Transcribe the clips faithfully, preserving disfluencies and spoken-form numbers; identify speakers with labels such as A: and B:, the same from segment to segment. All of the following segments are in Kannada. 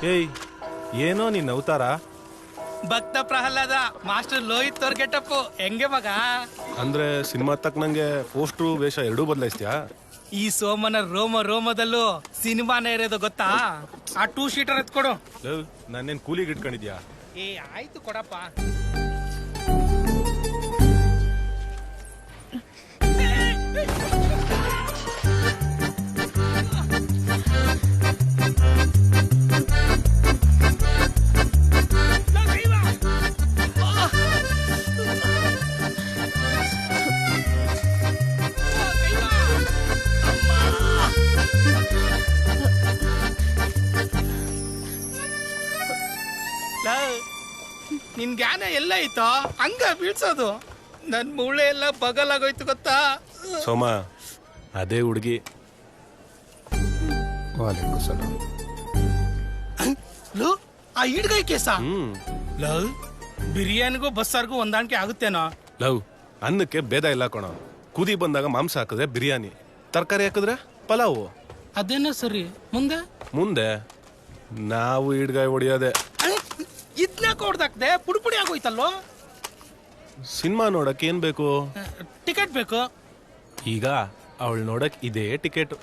A: ಏಯ್ ಏನೋ ನೀನ್ ಅವತಾರ
B: ಭಕ್ತ ಪ್ರಹ್ಲಾದ ಮಾಸ್ಟರ್ ಲೋಹಿತ್ ಅವ್ರ ಗೆಟಪ್ಪು ಹೆಂಗೆ ಮಗ
A: ಅಂದ್ರೆ ಸಿನಿಮಾ ತಕ್ಕನಂಗೆ ಪೋಸ್ಟ್ರು ವೇಷ ಎರಡೂ ಬದಲಾಯಿಸ್ತೀಯಾ?
B: ಈ ಸೋಮನ ರೋಮ ರೋಮದಲ್ಲೂ ಸಿನಿಮಾನೇ ಇರೋದು ಗೊತ್ತಾ? ಆ ಟೂ ಶೀಟರ್ ಎತ್ಕೊಡು.
A: ನಾನೇನ್ ಕೂಲಿಗೆ ಇಟ್ಕೊಂಡಿದ್ಯಾ?
B: ಏ ಆಯ್ತು ಕೊಡಪ್ಪ. ನಿನ್ ಜ್ಞಾನ ಎಲ್ಲ ಐತೋ ಹಂಗ ಬೀಳ್ಸೋದು. ನನ್ ಮೂಳೆ ಎಲ್ಲ ಬಗಲಾಗೋಯ್ತು ಗೊತ್ತಾ?
A: ಸೋಮ ಅದೇ ಹುಡುಗಿ.
B: ಲವ್ ಆ ಹಿಡ್ಗೈ ಕೇಸ
A: ಹ್ಮ್
B: ಲವ್ ಬಿರಿಯಾನಿಗೂ ಬಸ್ಸಾರ್ಗೂ ಹೊಂದಾಣಿಕೆ ಆಗುತ್ತೇನೋ?
A: ಲವ್ ಅನ್ನಕ್ಕೆ ಭೇದ ಇಲ್ಲ ಕಣೋ. ಕುದಿ ಬಂದಾಗ ಮಾಂಸ ಹಾಕಿದ್ರೆ ಬಿರಿಯಾನಿ, ತರಕಾರಿ ಹಾಕಿದ್ರೆ ಪಲಾವು.
B: ಅದೇನೋ ಸರಿ. ಮುಂದೆ
A: ಮುಂದೆ ನಾವು ಹಿಡ್ಗಾಯಿ ಹೊಡಿಯೋದೆ.
B: ಇದ್ನಾಕ ಹೊಡ್ದಾಕ್ದೆ ಪುಡಿ ಪುಡಿ ಆಗೋಯ್ತಲ್ಲೋ.
A: ಸಿನಿಮಾ ನೋಡಕ್ ಏನ್ ಬೇಕು?
B: ಟಿಕೆಟ್ ಬೇಕು.
A: ಈಗ ಅವಳು ನೋಡಕ್ ಇದೇ ಟಿಕೆಟ್.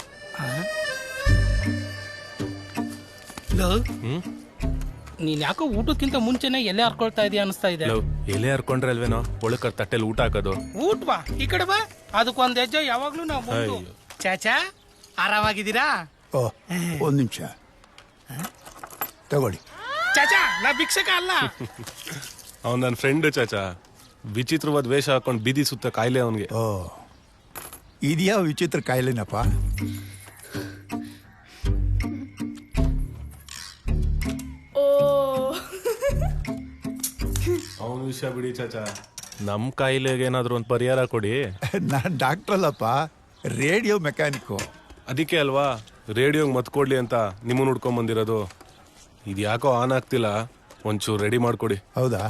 A: ಹ್ಮ್
B: ನೀನ್ ಯಾಕೋ ಊಟಕ್ಕಿಂತ ಮುಂಚೆನೆ ಎಲೆ ಹರ್ಕೊಳ್ತಾ ಇದೀಯ ಅನಿಸ್ತಾ ಇದೆ.
A: ಎಲೆ ಹರ್ಕೊಂಡ್ರೆ ಅಲ್ವೇನೋ ಒಳಕ ತಟ್ಟೆಲಿ ಊಟ ಹಾಕೋದು.
B: ಊಟ ಬಾ ಈ ಕಡೆ ಬಾ. ಅದಕ್ಕೊಂದ್ ಹೆಜ್ಜೆ ಯಾವಾಗ್ಲೂ ನಾವು. ಚಾಚಾ ಆರಾಮಾಗಿದ್ದೀರಾ?
C: ಓ ಒಂದ್ ನಿಮಿಷ ತಗೊಳ್ಳಿ.
B: ಚಾಚಾ ನಾ ಭಿಕ್ಷಕ ಅಲ್ಲ.
A: ಅವನ್ ನನ್ನ ಫ್ರೆಂಡ್ ಚಾಚಾ. ವಿಚಿತ್ರವಾದ ವೇಷ ಹಾಕೊಂಡ್ ಬೀದಿ ಸುತ್ತ ಕಾಯಿಲೆ ಅವನ್ಗೆ.
C: ಓ ಇದ್ಯಾ ವಿಚಿತ್ರ ಕಾಯಿಲೆನಪ್ಪ?
A: ಅವನ ವಿಷಯ ಬಿಡಿ ಚಾಚಾ. ನಮ್ ಕಾಯಿಲೆಗೆ ಏನಾದ್ರು ಒಂದ್ ಪರಿಹಾರ ಕೊಡಿ.
C: ನಾನ್ ಡಾಕ್ಟರ್ ಅಲ್ಲಪ್ಪ, ರೇಡಿಯೋ ಮೆಕ್ಯಾನಿಕ್.
A: ಅದಕ್ಕೆ ಅಲ್ವಾ ರೇಡಿಯೋಗ್ ಮತ್ ಕೊಡ್ಲಿ ಅಂತ ನಿಮ್ಮನ್ನ ಹುಡ್ಕೊಂಡ್ ಬಂದಿರೋದು. ಇದ್ಯಾಕೋ ಆನ್ ಆಗ್ತಿಲ್ಲ, ಒಂಚೂರು ರೆಡಿ ಮಾಡ್ಕೊಡಿ.
C: ಹೌದಾ?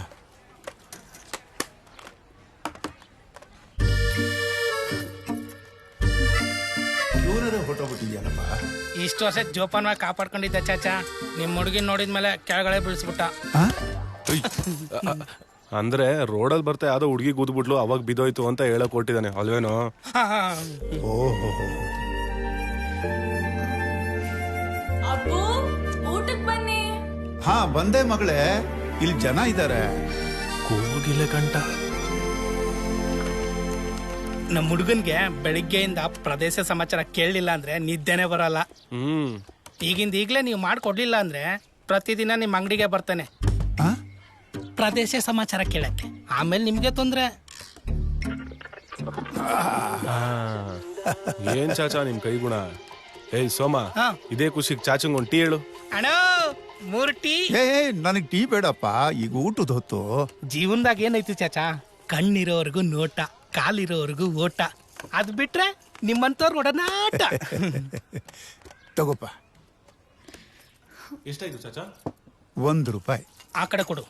C: ಹೊಟ್ಟೋಗ್ಬಿಟ್ಟಿದ್ಯಾನಪ್ಪ.
B: ಇಷ್ಟು ವರ್ಷ ಜೋಪಾನವಾಗಿ ಕಾಪಾಡ್ಕೊಂಡಿದ್ದ ಚಾಚಾ. ನಿಮ್ ಹುಡುಗಿನ ನೋಡಿದ್ಮೇಲೆ ಕೆಳಗಡೆ ಬೀಳಿಸ್ಬಿಟ್ಟ.
A: ಅಂದ್ರೆ ರೋಡಲ್ಲಿ ಬರ್ತಾ ಯಾವ್ದೋ ಹುಡುಗಿ ಕೂದ್ಬಿಟ್ಲು, ಅವಾಗ ಬಿದ್ದೋಯ್ತು ಅಂತ ಹೇಳಕ್ ಕೊಟ್ಟಿದ್ದಾನೆ ಅಲ್ವೇನೋ?
C: ಓಹೋ
D: ಊಟಕ್ಕೆ ಬನ್ನಿ.
C: ಹಾ ಬಂದೆ ಮಗಳೇ, ಇಲ್ಲಿ ಜನ ಇದ್ದಾರೆ.
A: ಕೂಗಿಲೆ ಗಂಟ.
B: ನಮ್ಮ ಹುಡುಗನ್ಗೆ ಬೆಳಿಗ್ಗೆಯಿಂದ ಪ್ರದೇಶ ಸಮಾಚಾರ ಕೇಳಲಿಲ್ಲ ಅಂದ್ರೆ ನಿದ್ದೆನೆ ಬರಲ್ಲ.
A: ಹ್ಮ್
B: ಈಗಿಂದ ಈಗ್ಲೇ ನೀವು ಮಾಡ್ಕೊಡ್ಲಿಲ್ಲ ಅಂದ್ರೆ ಪ್ರತಿದಿನ ನಿಮ್ ಅಂಗಡಿಗೆ ಬರ್ತಾನೆ ಪ್ರದೇಶ ಸಮಾಚಾರ ಕೇಳಕ್ಕೆ. ಆಮೇಲೆ ನಿಮ್ಗೆ ತೊಂದ್ರೆ.
A: ಏನ್ ಚಾಚಾ ನಿಮ್ ಕೈಗುಣ. ಏಯ್ ಸೋಮ, ಇದೇ ಖುಷಿಗ್ ಚಾಚಂಗ್ ಒಂದ್ ಟೀ ಹೇಳು.
B: ಅಣ್ಣ ಮೂರ್ ಟೀ.
C: ಏ ನನಗ್ ಟೀ ಬೇಡಪ್ಪ, ಈಗ ಊಟದ ಹೊತ್ತು.
B: ಜೀವನದಾಗ ಏನೈತಿ ಚಾಚಾ? ಕಣ್ಣಿರೋವರೆಗೂ ನೋಟ, ಕಾಲಿರೋವರೆಗೂ ಓಟ. ಅದ್ ಬಿಟ್ರೆ ನಿಮ್ಮಂತವ್ರ ಒಡನಾಟ.
C: ತಗೋಪ್ಪ.
A: ಎಷ್ಟಾಯ್ತು ಚಾಚಾ?
C: ಒಂದು ರೂಪಾಯಿ.
B: ಆ ಕಡೆ ಕೊಡು.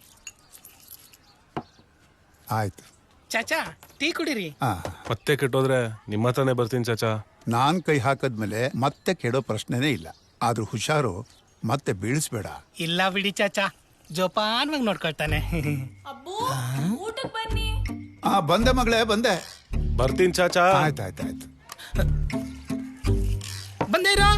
C: ಆಯ್ತು
B: ಚಾಚಾ ಟೀ ಕುಡಿರಿ.
A: ಮತ್ತೆ ಕೆಟ್ಟೋದ್ರೆ ನಿಮ್ಮ ಹತ್ರನೇ ಬರ್ತೀನಿ ಚಾಚಾ.
C: ನಾನ್ ಕೈ ಹಾಕದ್ಮೇಲೆ ಮತ್ತೆ ಕೆಡೋ ಪ್ರಶ್ನೆನೇ ಇಲ್ಲ. ಆದ್ರೂ ಹುಷಾರು, ಮತ್ತೆ ಬೀಳಿಸ್ಬೇಡ.
B: ಇಲ್ಲ ಬಿಡಿ ಚಾಚಾ, ಜೋಪಾನವಾಗಿ ನೋಡ್ಕೊಳ್ತಾನೆ.
D: ಅಬ್ಬು ಊಟಕ್ಕೆ ಬನ್ನಿ.
C: ಹಾ ಬಂದೆ ಮಗಳೇ, ಬಂದೆ.
A: ಬರ್ತೀನಿ ಚಾಚಾ.
C: ಆಯ್ತಾಯ್ತಾಯ್ತು.
B: ಬಂದೇ ಇರೋ.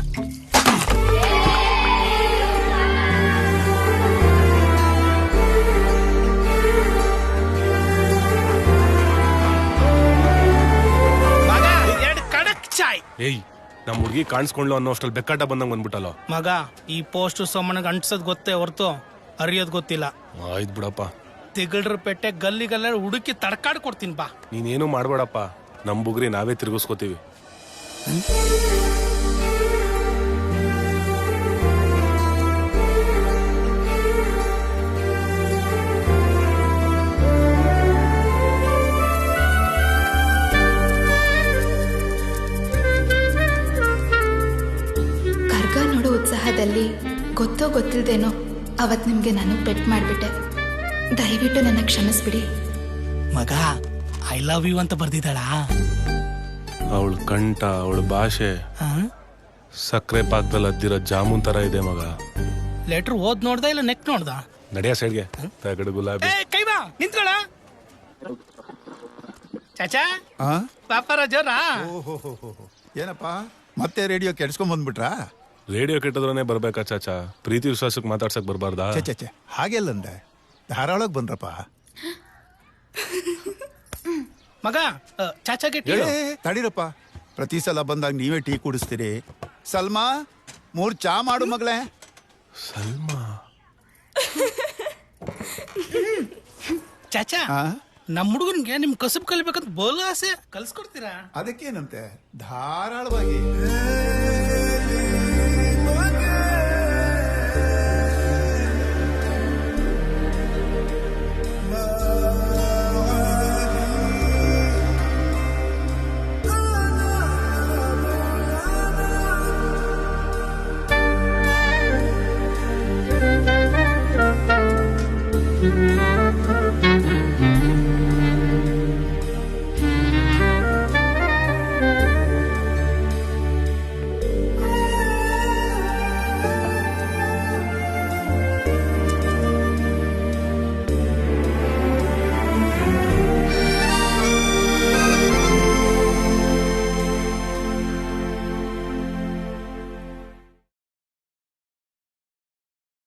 B: ಎರಡು ಕಡಕ್ ಚಾಯ್.
A: ಏಯ್ ನಮ್ ಹುಡುಗಿ ಕಾಣಿಸ್ಕೊಂಡ್ಲು ಅನ್ನೋ ಅಷ್ಟ್ರಲ್ಲಿ ಬೆಕ್ಕಾಟ ಬಂದಂಗ್ ಬಂದ್ಬಿಟ್ಟಲ್ಲ
B: ಮಗ. ಈ ಪೋಸ್ಟ್ ಸೋಮನಿಗೆ ಅಂಟಿಸೋದ್ ಗೊತ್ತೇ ಹೊರ್ತು ಅರಿಯೋದ್ ಗೊತ್ತಿಲ್ಲ.
A: ಆಯ್ತು ಬಿಡಪ್ಪ.
B: ತಿಗಳ್ರ ಪೆಟ್ಟೆ ಗಲ್ಲಿಗಲ್ಲ ಹುಡುಕಿ ತಡ್ಕಾಡ್ ಕೊಡ್ತೀನಿ ಬಾ.
A: ನೀನೇನು ಮಾಡ್ಬೇಡಪ್ಪ, ನಮ್ ಬುಗ್ರಿ ನಾವೇ ತಿರ್ಗಿಸ್ಕೋತೀವಿ.
E: ಕರ್ಗ ನೋಡೋ ಉತ್ಸಾಹದಲ್ಲಿ ಗೊತ್ತೋ ಗೊತ್ತಿಲ್ದೇನೋ ಅವತ್ ನಿಮ್ಗೆ ನಾನು ಪೆಟ್ ಮಾಡ್ಬಿಟ್ಟೆ. ದಯವಿಟ್ಟು ನನ್ನ ಕ್ಷಮಿಸ್ಬಿಡಿ.
B: ಮಗ ಐ ಲವ್ ಯು ಅಂತ ಬರ್ದಿದ್ದಾಳ.
A: ಅವಳ ಕಂಠ, ಅವಳ ಭಾಷೆ ಸಕ್ಕರೆ ಪಾಕದಲ್ಲಿ ಅದ್ದಿರೋ ಜಾಮೂನ್ ತರ ಇದೆ ಮಗ.
B: ಲೆಟ್ರ್ ಓದ್ ನೋಡ್ದ ಇಲ್ಲ ನೆಕ್ ನೋಡ್ದ?
A: ನಡಿಯ ಸೈಡ್ಗೆ ತಗಡು ಗುಲಾಬಿ.
B: ಏ ಕೈ ಬಾ ನಿಂತ್ಕೊಳ. ಚಾಚಾ
C: ಆ?
B: ವ್ಯಾಪಾರ ಜೋರ?
C: ಓಹೋ, ಏನಪ್ಪ ಮತ್ತೆ ರೇಡಿಯೋ ಕೆಡ್ಸ್ಕೊಂಡ್ ಬಂದ್ಬಿಟ್ರಾ?
A: ರೇಡಿಯೋ ಕೆಟ್ಟದ್ರೇ ಬರ್ಬೇಕಾ ಚಾಚಾ? ಪ್ರೀತಿ ವಿಶ್ವಾಸಕ್ಕೆ ಮಾತಾಡ್ಸಕ್ ಬರ್ಬಾರ್ದಾ?
C: ಚೆ ಚೆ ಚೆ ಹಾಗೆಲ್ಲಂದೆ ಧಾರಾಳಕ್ ಬಂದ್ರಪ್ಪ.
B: ಮಗ ಆ, ಚಾಚಾಗೆ ಟೀ
C: ಏ,
B: ಹೇಳು.
C: ತಡೀರಪ್ಪ, ಪ್ರತಿ ಸಲ ಬಂದಾಗ ನೀವೇ ಟೀ ಕುಡಿಸ್ತೀರಿ. ಸಲ್ಮಾ ಮೂರ್ ಚಾ ಮಾಡು ಮಗಳೇ.
A: ಸಲ್ಮಾ
B: ಚಾಚಾ
C: ಆ?
B: ನಮ್ಮ ಹುಡುಗನ್ಗೆ ನಿಮ್ ಕಸಬ್ ಕಲಿಬೇಕಂತ ಬೋಲ ಆಸೆ, ಕಲ್ಸ್ಕೊಡ್ತೀರಾ?
C: ಅದಕ್ಕೇನಂತೆ ಧಾರಾಳವಾಗಿ.